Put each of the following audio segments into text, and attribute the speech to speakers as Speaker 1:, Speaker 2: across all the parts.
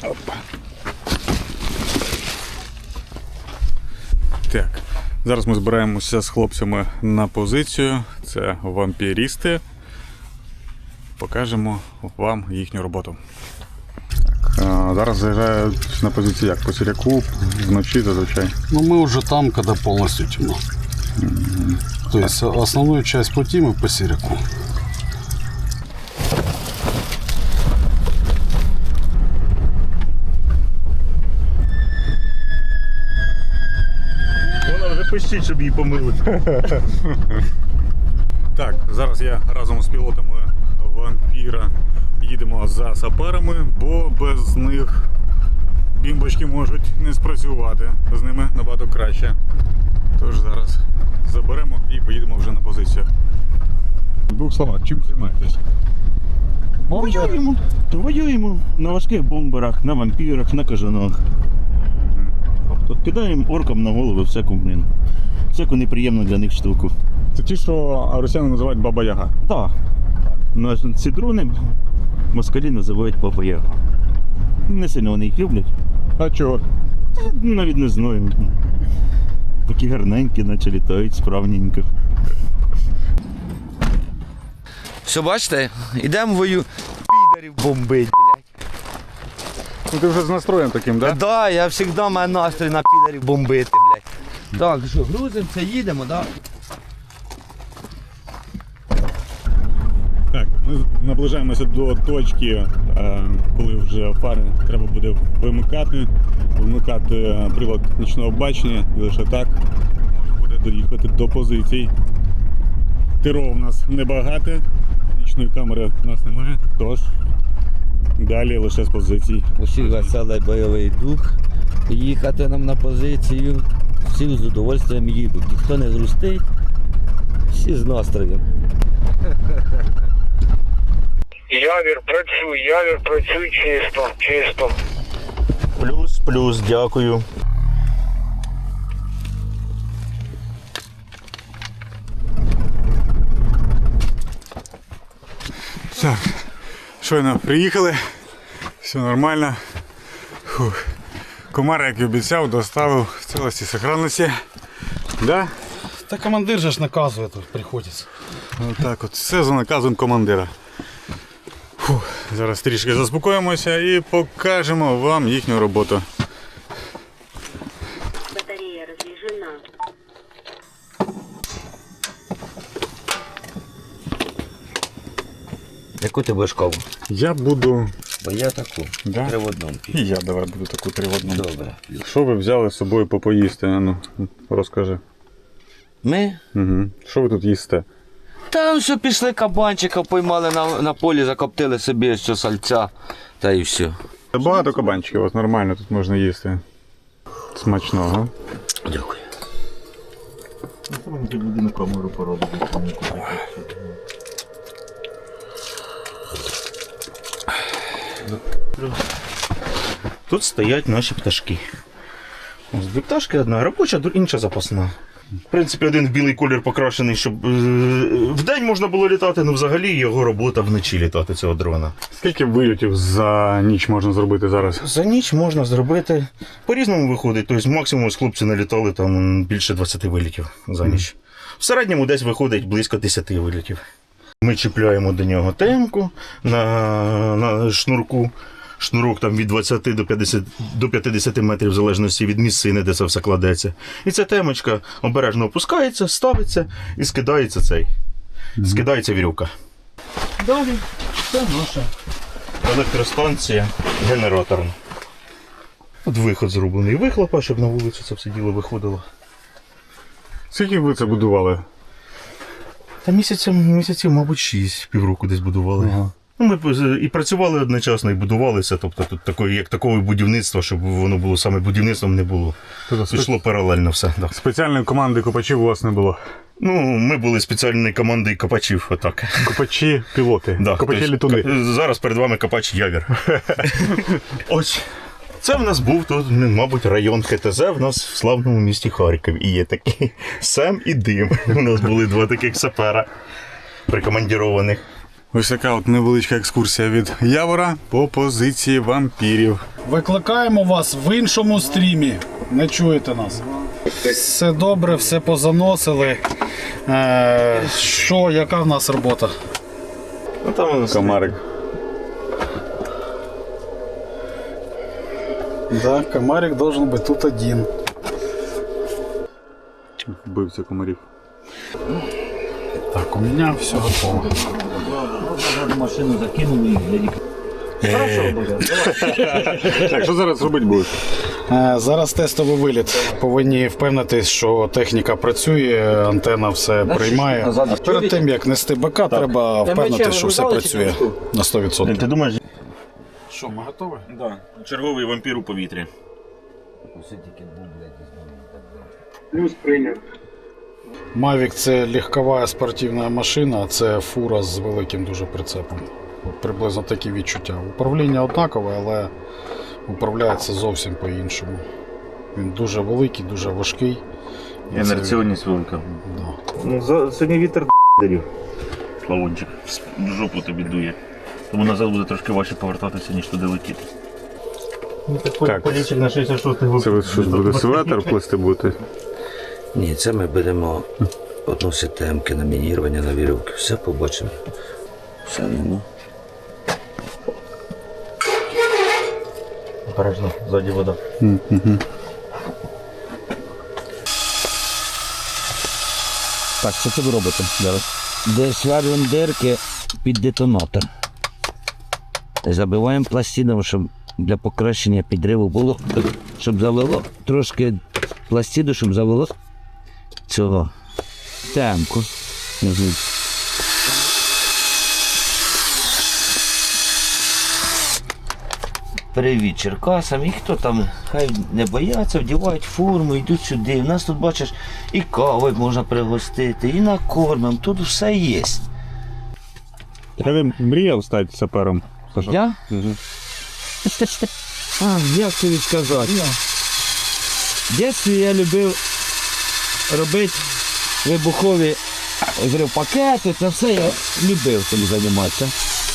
Speaker 1: Опа. Так, зараз ми збираємося з хлопцями на позицію. Це вампірісти. Покажемо вам їхню роботу. Так, зараз заїжджають на позицію як? По Сіряку, вночі зазвичай.
Speaker 2: Ну, мы уже там, когда полностью темно. То есть основную часть пути мы по Сиряку.
Speaker 3: Вона вже пищить, щоб її помилити.
Speaker 1: Так, зараз я разом з пілотами вампіра їдемо за саперами, бо без них бімбочки можуть не спрацювати. З ними набагато краще. Тож зараз заберемо і поїдемо вже на позиціях. В двох словах, чим займаєтесь?
Speaker 3: Воюємо. Воюємо на важких бомберах, на вампірах, на кажанах. Тобто кидаємо оркам на голови всяку неприємну для них штуку.
Speaker 1: Це ті, що росіяни називають Баба-Яга.
Speaker 3: Так. Ну, а ці дрони москалі називають Баба-Яга. Не сильно вони їх люблять.
Speaker 1: А чого?
Speaker 3: Навіть не знаю. Такі гарненькі, наче літають справненько.
Speaker 4: Все, бачите, ідемо підарів бомбить, блядь.
Speaker 1: Ну ти вже з настроєм таким, так?
Speaker 4: Да, я завжди маю настрій на підарів бомбити, блядь. Так, що, грузимося, їдемо, да?
Speaker 1: Так, ми наближаємося до точки, коли вже фари треба буде вимикати прилад нічного бачення, і лише так можна буде доїхати до позицій. Тиров у нас небагато, нічної камери у нас немає, тож далі лише з позицій.
Speaker 4: Усіх веселий бойовий дух, їхати нам на позицію, всі з удовольствием їдуть, ніхто не грустить, всі з настроєм.
Speaker 5: Явір працюй чисто.
Speaker 3: Плюс, дякую.
Speaker 1: Так, щойно приїхали, все нормально. Фух. Комар, як і обіцяв, доставив в цілості сохранності. Да?
Speaker 2: Да командир же ж наказывает, приходится.
Speaker 1: Отак от, все за наказом командира. Фух. Зараз трішки заспокоїмося і покажемо вам їхню роботу.
Speaker 6: Батарея разряжена.
Speaker 4: Яку ти будеш каву?
Speaker 1: Я буду...
Speaker 4: Бо я таку,
Speaker 1: Да?
Speaker 4: 3 в 1.
Speaker 1: І я давай буду таку 3 в 1.
Speaker 4: Добре.
Speaker 1: Що ви взяли з собою попоїсти? Ну, розкажи.
Speaker 4: Ми?
Speaker 1: Угу. Що ви тут їсте?
Speaker 4: Там все пішли кабанчика, поймали на полі, закоптили собі що сальця, та і все.
Speaker 1: Багато кабанчиків, от нормально тут можна їсти. Смачного.
Speaker 4: Дякую.
Speaker 3: Ти буде на камеру поробити. Тут стоять наші пташки. Ось дві пташки, одна робоча, інша запасна. В принципі, один в білий колір покрашений, щоб вдень можна було літати, але взагалі його робота вночі літати, цього дрона.
Speaker 1: Скільки вильотів за ніч можна зробити зараз?
Speaker 3: За ніч можна зробити, по-різному виходить, тобто максимум з хлопці налітали там більше 20 вилітів за ніч. В середньому десь виходить близько 10 вилітів. Ми чіпляємо до нього темку на шнурку. Шнурок там від 20 до 50 метрів, в залежності від місцини, де це все кладеться. І ця темочка обережно опускається, ставиться і скидається скидається вірюка. Далі це наша електростанція генераторна. От виход зроблений вихлопа, щоб на вулицю це все діло виходило.
Speaker 1: Скільки ви це будували?
Speaker 3: Та місяців, мабуть, 6, півроку десь будували.
Speaker 1: Ага.
Speaker 3: Ну, ми і працювали одночасно, і будувалися. Тобто тут такого будівництва, щоб воно було саме будівництвом, не було. Тобто йшло паралельно все. Да.
Speaker 1: Спеціальної команди копачів у вас не було?
Speaker 3: Ну, ми були спеціальною командою копачів, отак.
Speaker 1: Копачі-пілоти,
Speaker 3: Да,
Speaker 1: копачі-літуни.
Speaker 3: Зараз перед вами копач Явір. Ось. Це в нас був тут, мабуть, район ХТЗ в нас в славному місті Харкові. І є такий Сем і Дим. У нас були два таких сапера прикомандірованих.
Speaker 1: Ось така от невеличка екскурсія від Явора по позиції вампірів.
Speaker 2: Викликаємо вас в іншому стрімі. Не чуєте нас. Все добре, все позаносили. Що, яка в нас робота?
Speaker 3: Ну там у нас
Speaker 1: Комарик.
Speaker 2: Да, комарик должен быть тут один.
Speaker 1: Вбивця комарів.
Speaker 2: Так, у меня все готово.
Speaker 4: Машину закинули і для
Speaker 1: Так, що зараз робити будеш?
Speaker 2: Зараз тестовий виліт. Повинні впевнитись, що техніка працює, антенна все приймає. Перед тим як нести БК, треба впевнитися, що все працює на 100%.
Speaker 3: Ти думаєш?
Speaker 2: Що, ми готові?
Speaker 3: Да. Черговий вампір у повітрі.
Speaker 2: Mavic це легкова спортивна машина, а це фура з великим дуже прицепом. От приблизно такі відчуття. Управління однакове, але управляється зовсім по-іншому. Він дуже великий, дуже важкий. І це-
Speaker 3: Інерційність велика.
Speaker 2: Да.
Speaker 3: Ну, сьогодні вітер до підарів. Плавончик. В жопу тобі дує. Тому назад буде трошки важче повертатися, ніж туди летіти.
Speaker 1: Так.
Speaker 3: Полічик на 66
Speaker 1: Це ви щось буде светр плести бути?
Speaker 4: Ні, це ми беремо одну системки на мінірування, на вірьовки. Все побачимо. Все, ну.
Speaker 3: Обережно, ззаді вода.
Speaker 1: Так, що це ви робите зараз?
Speaker 4: Де сварюємо дирки під детонатор. Забиваємо пластином, щоб для покращення підриву було, щоб завело трошки пластину, щоб завело цього темку. Привіт Черкасам, і хто там, хай не бояться, вдівають форму, йдуть сюди. У нас тут, бачиш, і кави можна пригостити, і накормим, тут все є.
Speaker 1: Я мріяв стати сапером. Саша?
Speaker 4: Я? А, як тобі сказати? В дитинстві я любив робити вибухові пакети, це все я любив цим займатися.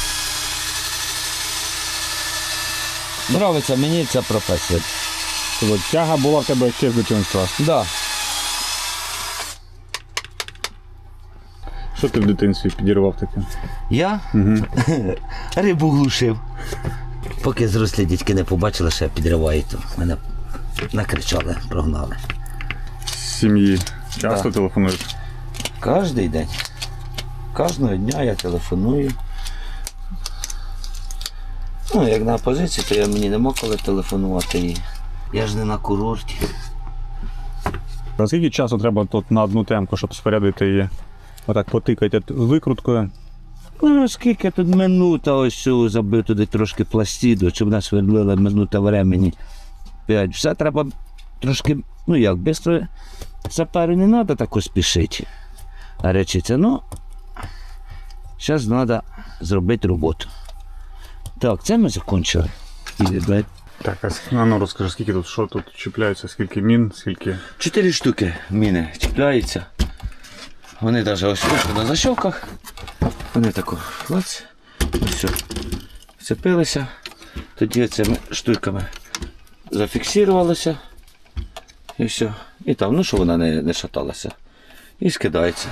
Speaker 4: Нравиться мені ця професія.
Speaker 1: Тяга була в тебе ще з дитинства.
Speaker 4: Да.
Speaker 1: Що ти в дитинстві підірвав таке?
Speaker 4: Я рибу глушив. Поки зрослі дітки не побачили, що я підриваю, то мене накричали, прогнали.
Speaker 1: З сім'ї часто
Speaker 4: Да.
Speaker 1: телефонуєш?
Speaker 4: Кожний день. Кожного дня я телефоную. Ну, як на позиції, то мені нема коли телефонувати. І я ж не на курорті.
Speaker 1: А скільки часу треба тут на одну темку, щоб спорядити її? Отак потикати викруткою.
Speaker 4: Ну, скільки тут минута, ось цю забив туди трошки пластиду, щоб нас свердлила минута времени. 5. Все треба трошки, ну як, швидко саперу не треба так спішити. А речиться, ну, зараз треба зробити роботу. Так, це ми закінчили.
Speaker 1: Так, а ну розкажи, скільки тут, що тут чіпляється, скільки мін, скільки.
Speaker 4: 4 штуки міни чіпляються. Вони навіть ось на защёлках. Вони тако клац. Все. Вцепилися. Тоді цими штуками зафіксувалися. І все. І там, ну що вона не шаталася. І скидається.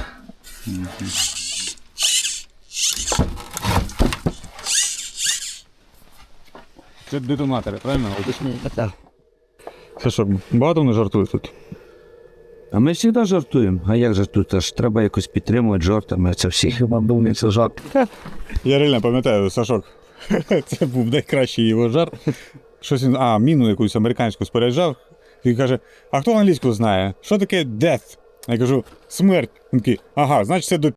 Speaker 1: Це детонатори, правильно?
Speaker 4: Так.
Speaker 1: Це що, багато не жартує тут?
Speaker 4: А ми завжди жартуємо. А як же тут? Аж треба якось підтримувати жартами. Це всі хіба думають, це жарт.
Speaker 1: Я реально пам'ятаю, Сашок, це був найкращий його жарт. Щось він, міну якусь американську споряджав. Він каже, а хто англійську знає? Що таке death? Я кажу, смерть. Він такий, ага, значить це до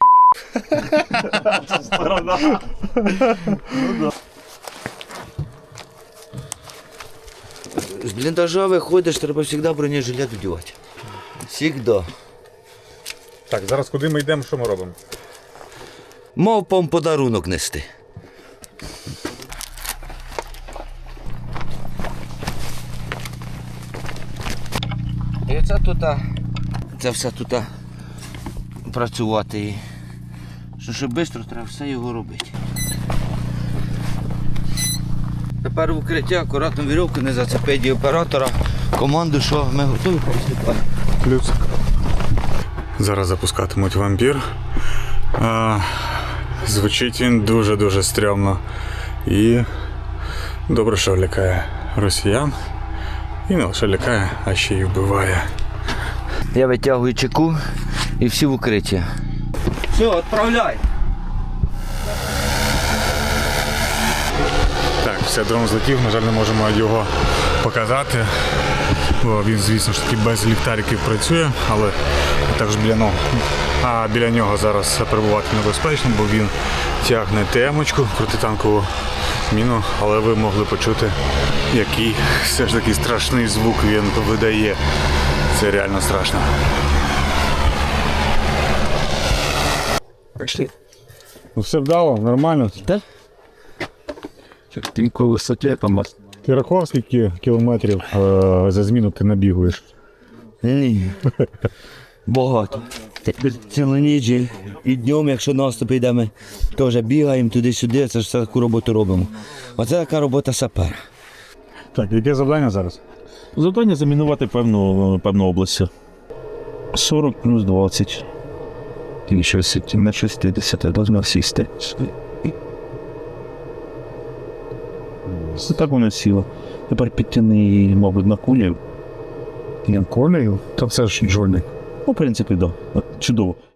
Speaker 4: З бліндажа виходиш, треба завжди бронежилет вдівати. Всегда.
Speaker 1: Так, зараз куди ми йдемо, що ми робимо?
Speaker 4: Мавпам подарунок нести. І це тут, це все тут працювати. І що швидко треба все його робити. Тепер в укритті акуратно вірьовку не зацепить і оператора. Команду, що ми готові приступати.
Speaker 1: Плюс. Зараз запускатимуть вампір. Звучить він дуже-дуже стрьомно. І добре, що лякає росіян. І не лише лякає, а ще й вбиває.
Speaker 4: Я витягую чеку і всі в укритті. Все, відправляй.
Speaker 1: Так, все, дрон злетів, на жаль, не можемо його показати. Бо він, звісно ж таки, без ліхтариків працює, але також біля нього зараз перебувати небезпечно, бо він тягне темочку, протитанкову міну, але ви могли почути, який все ж таки страшний звук він видає. Це реально страшно.
Speaker 4: Пішли.
Speaker 1: Ну, все вдало, нормально.
Speaker 4: Так? Тільки висоті помаз.
Speaker 1: Ти рахував, скільки кілометрів за зміну ти набігуєш?
Speaker 4: Ні. Багато. Цілу ніч і днем, якщо наступ йде, ми теж бігаємо туди-сюди, це ж все таку роботу робимо. Оце така робота сапера.
Speaker 1: Так, яке завдання зараз?
Speaker 7: Завдання замінувати певну область. 40 плюс 20. І щось на 60 должно сісти. Це так воно сіло. Тепер підтяни, мабуть, на кулю.
Speaker 1: Колею? Та все ж джольник.
Speaker 7: Ну, в принципі, так. Да. Чудово.